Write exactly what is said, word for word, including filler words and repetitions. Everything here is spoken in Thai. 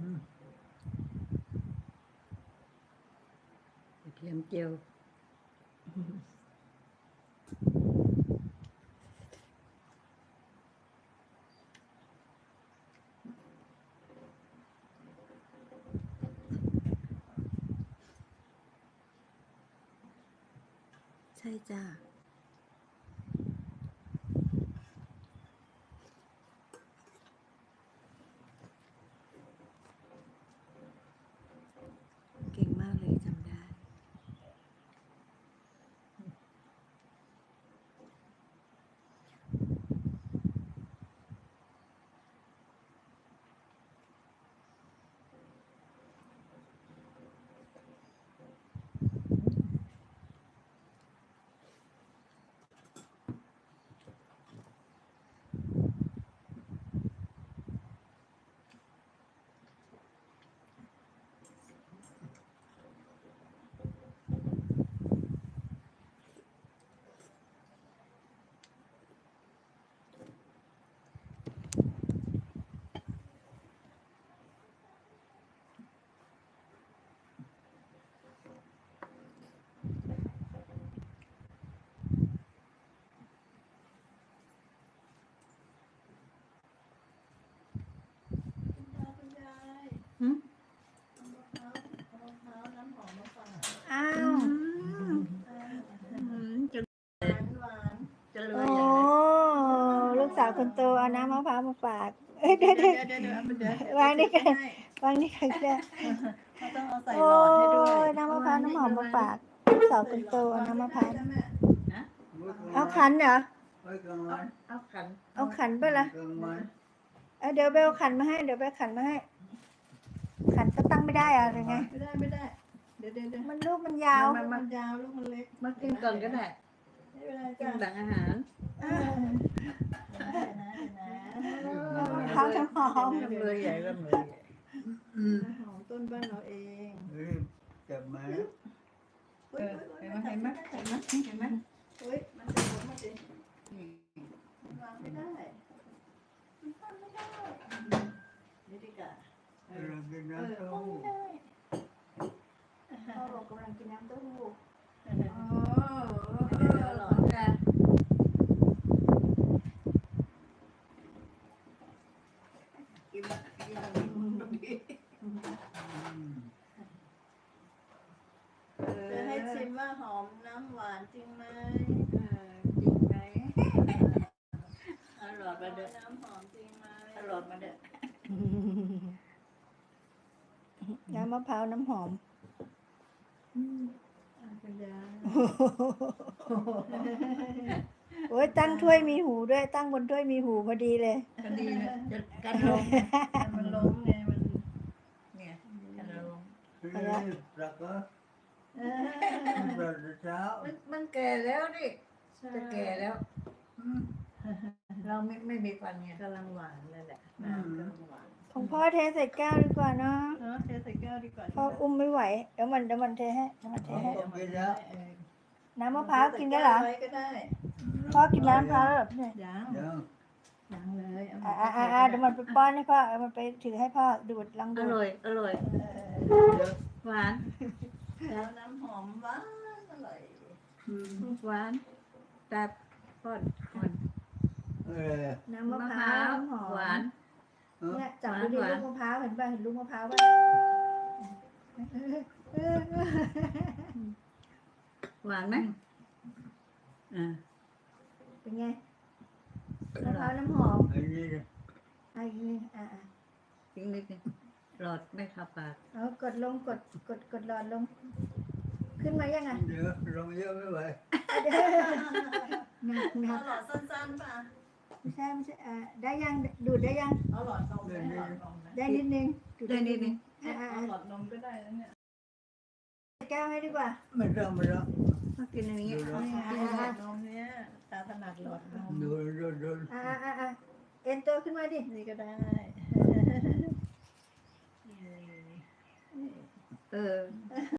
กระเทียมเจียวใช่จ้าเก่งมากเลยจำได้หืมอ้าวจะจะรวโอ้ยอย่างนั้นลูกสาวคนโตเอาน้ำมะพร้าวมาฝากเอ้ยเดี๋ยวเดี๋เดี๋ยยว วเดี๋ยวเดี๋ยวเดี๋ยววางนี่กักันวางนี่กันก็ได้เขาต้องเอาใส่โอ้หลอดให้ด้วยยน้ำมะพร้าวน้ำหอมมาฝากลูกสาวคนโตเอาน้ำมะพร้าวนะเอาขันเหรอเอาขันเอาขันไปละเอ้ยเดี๋ยวเบลขันมาให้เดี๋ยวเบลขันมาให้ ขันก็ตั้งไม่ได้อะหรือไงไม่ได้ไม่ได้เดี๋ยวเดี๋ยวเดี๋ยวมันลูกมันยาวมันมันยาวลูกมันเล็กมากินก่อนก็ได้ไม่เป็นไรกิจ้ะนหลังอาหารอ่านะนะน้ำมะพร้าวน้ำหอมน้ำมือใหญ่ก็มือใหญ่หอมต้นบ้านเราเองจับมาเออเห็นไหมเห็นไหมเห็นไหมเห็นไหมเฮ้ยมันจะหมดมาสิวางไม่ได้มันตั้งไม่ได้นี่ดีกว่าเออเรากินเออน้ำตั้ต้งมไม่ได้พ่อบอกกำลังกินน้ำเต้าหู้โอ้อร่อยจ้ะกินกินตรงนี้จะให้ชิมว่าหอมน้ำหวานจริงไหมเออจริงไหมอร่อยมาเด้อน้ำหอมจริงไหมอร่อยมาเด้อน้ำมะพร้าวน้ำหอมคุณยายโอ้ยตั้งถ้วยมีหูด้วยตั้งบนถ้วยมีหูพอดีเลยก็ดีนะจะกันลงมันล้มไงมันเนี่ยกันลงปลาก็เอปลาเช้ามันมันแก่แล้วนี่จะแก่แล้วอืมเราไม่ไม่มีฟันไงกำลังหวานเลยแหละน้ำกำลังหวานของพ่อเทใส่แก้วดีกว่าเนาะเออเทใส่แก้วดีกว่าพ่ออุ้มไม่ไหวเดี๋ยวมันเดี๋ยวมันเทให้เดี๋ยวมันเทให้ น้ำมะพร้าวกินได้เหรอไว้ก็ได้พ่อกินน้ำมะพร้าวแล้วเหรอเนี่ยยังยังยังเลยเอาอ่าอ่าอ่าอ่าเดี๋ยวมันไปป้อนให้พ่อเอามันไปถือให้พ่อดูดลองอดูดร่อยอร่อยเออหวานแล้วน้ำหอมหวานอร่อยอืมหวานแต่ป้อนก่อนเออน้ำมะพร้าวน้ำหอมหวานเนี่ยจับดูดิหวานลูกมะพร้าวเห็นป่ะเห็นลูกมะพร้าวป่ะหวานไหมอ่าเป็นไงมะพร้าวน้ำหอมอันนี้อ่ะอีกนิดอ่าอ่าอีกนิดนึงหลอดไม่เข้าปากเอากดลงกดกดกดหลอดลง ขึ้นมายังไงเดี๋ยวลงเยอะไม่ไหวหนักหนัเอากหลอดสั้นๆป่ะไม่ใช่ไม่ใช่อ่าได้ยังดูดได้ยังเอาหลอดนมได้หลอดนมนะได้นิดนึงดูได้นิดนึงอ่าอ่าเอาอ่าหลอดนมก็ได้แล้วเนี่ยแก้วให้ดีกว่าไม่ต้องไม่ต้องต้องกินอย่างนี้กินหลอดนมเนี่ยตาถนัดหลอดนมดูดูดูอ่าอ่าอ่าอ่าเอ็นตัวขึ้นมาดินี่ก็ได้เออ